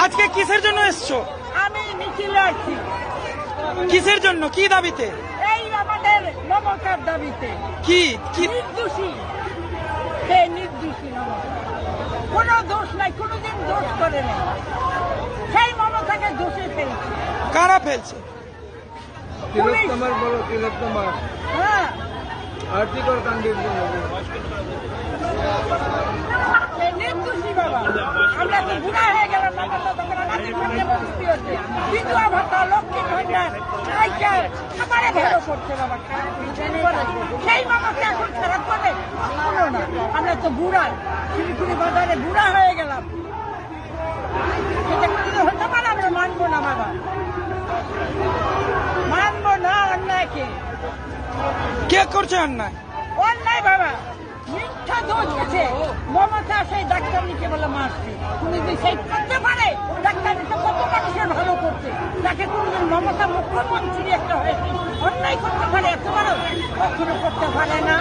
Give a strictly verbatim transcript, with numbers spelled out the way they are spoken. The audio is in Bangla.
আজকে কিসের জন্য এসছো? আমি মিছিলে আসছি। কিসের জন্য, কি দাবিতে? এই আমাদের মমতার দাবিতে। কি কি নির্দোষী, সে নির্দোষী মমতা, কোনো দোষ নাই, কোনোদিন দোষ করে নেই, সেই মমতাকে দোষে ফেলছে। কারা ফেলছে? তিলোত্তমার বলো, তিলোত্তমার হ্যাঁ, আর্থিকর কাণ্ডের জন্য সে নির্দোষী বাবা। আমরা তো বুড়া হয়ে গেলাম, মমতা তখন আমাদের মধ্যে মুক্তি হচ্ছে। বিধবা ভাতা, লক্ষ্মী ভান্ডার, সাইকেল আমারে ভালো করছে বাবা, খারাপ করে। সেই মমতা এখন খারাপ করে কোনো না। আমরা তো বুড়া, শিলিগুড়ি বাজারে বুড়া হয়ে গেলাম। সেটা কোনো হতে পারে? আমরা মানবো না বাবা, মানবো না অন্যায়কে। কে করছে অন্যায়? অন্যায় বাবা, মিথ্যা দোষ আছে। মমতা সেই ডাক্তার নিচে বলে মারছে, তুমি যদি সেই করতে পারে, ডাক্তার নিচে কত মানুষের ভালো করছে, তাকে কোনদিন মমতা মুখ্যমন্ত্রী একটা হয়েছে অন্যায় করতে পারে? এত বড় কখনো করতে পারে না।